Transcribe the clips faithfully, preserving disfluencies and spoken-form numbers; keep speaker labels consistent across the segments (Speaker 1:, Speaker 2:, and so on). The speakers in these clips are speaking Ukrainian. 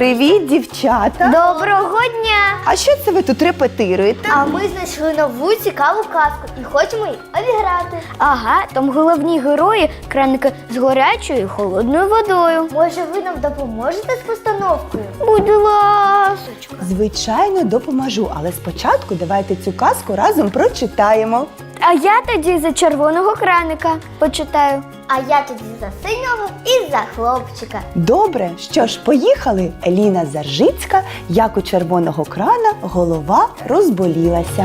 Speaker 1: Привіт, дівчата!
Speaker 2: Доброго дня!
Speaker 1: А що це ви тут репетируєте?
Speaker 2: А ми знайшли нову цікаву казку і хочемо її обіграти. Ага, там головні герої – краники з гарячою і холодною водою. Може, ви нам допоможете з постановкою? Будь ласочка.
Speaker 1: Звичайно, допоможу, але спочатку давайте цю казку разом прочитаємо.
Speaker 2: А я тоді за червоного краника почитаю. А я тоді за синього і за хлопчика.
Speaker 1: Добре, що ж, поїхали. Еліна Заржицька, як у червоного крана голова розболілася.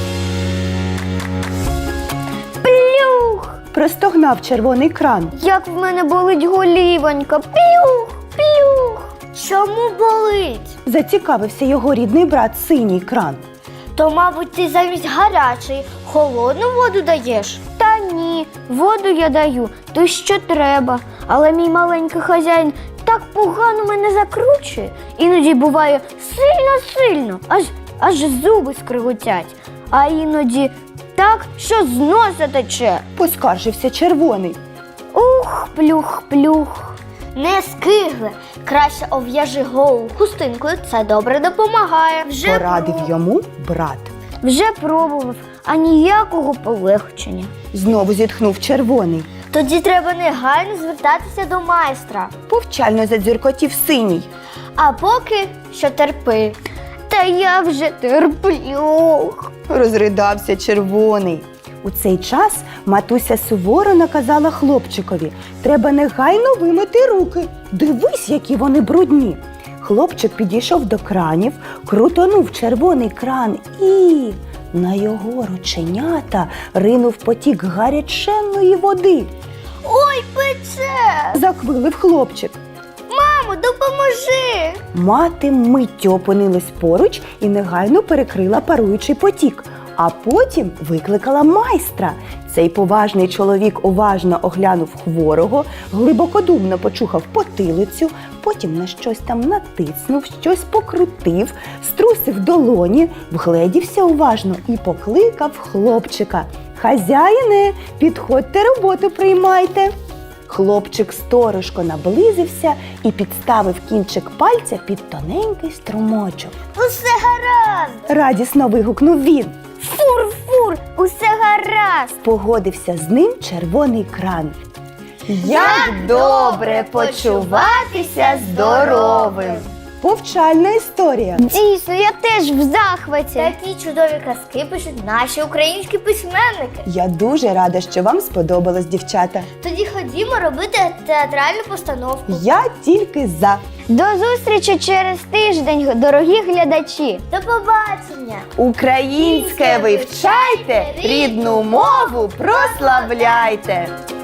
Speaker 2: Плюх!
Speaker 1: Простогнав червоний кран.
Speaker 2: Як в мене болить голівонька. Плюх! Плюх! Чому болить?
Speaker 1: Зацікавився його рідний брат синій кран.
Speaker 2: То, мабуть, ти замість гарячої холодну воду даєш? Та ні, воду я даю, то що треба. Але мій маленький хазяїн так погано мене закручує. Іноді буває сильно-сильно, аж, аж зуби скриготять. А іноді так, що з носа тече.
Speaker 1: Поскаржився червоний.
Speaker 2: Ух, плюх, плюх. Не скигли, краще ов'яжи голову хустинкою, це добре допомагає. Вже
Speaker 1: Порадив
Speaker 2: проб-
Speaker 1: йому брат.
Speaker 2: Вже пробував, а ніякого полегшення.
Speaker 1: Знову зітхнув червоний.
Speaker 2: Тоді треба негайно звертатися до майстра.
Speaker 1: Повчально задзюркотів синій.
Speaker 2: А поки що терпи. Та я вже терплю.
Speaker 1: Розридався червоний. У цей час матуся суворо наказала хлопчикові: треба негайно вимити руки. Дивись, які вони брудні. Хлопчик підійшов до кранів, крутонув червоний кран і на його рученята ринув потік гаряченної води.
Speaker 2: Ой, пече!
Speaker 1: Заквилив хлопчик.
Speaker 2: Мамо, допоможи!
Speaker 1: Мати миттю опинилась поруч і негайно перекрила паруючий потік, а потім викликала майстра. Цей поважний чоловік уважно оглянув хворого, глибокодумно почухав потилицю, потім на щось там натиснув, щось покрутив, струсив долоні, вгледівся уважно і покликав хлопчика: «Хазяїне, підходьте, роботу приймайте». Хлопчик сторожко наблизився і підставив кінчик пальця під тоненький струмочок.
Speaker 2: Усе гаразд!
Speaker 1: Радісно вигукнув він.
Speaker 2: Фур-фур, усе гаразд!
Speaker 1: Погодився з ним червоний кран. Як добре почуватися здоровим! Повчальна історія.
Speaker 2: Дійсно, я теж в захваті. Такі чудові казки пишуть наші українські письменники.
Speaker 1: Я дуже рада, що вам сподобалось, дівчата.
Speaker 2: Тоді ходімо робити театральну постановку.
Speaker 1: Я тільки за.
Speaker 2: До зустрічі через тиждень, дорогі глядачі. До побачення.
Speaker 1: Українське вивчайте, рідну мову прославляйте.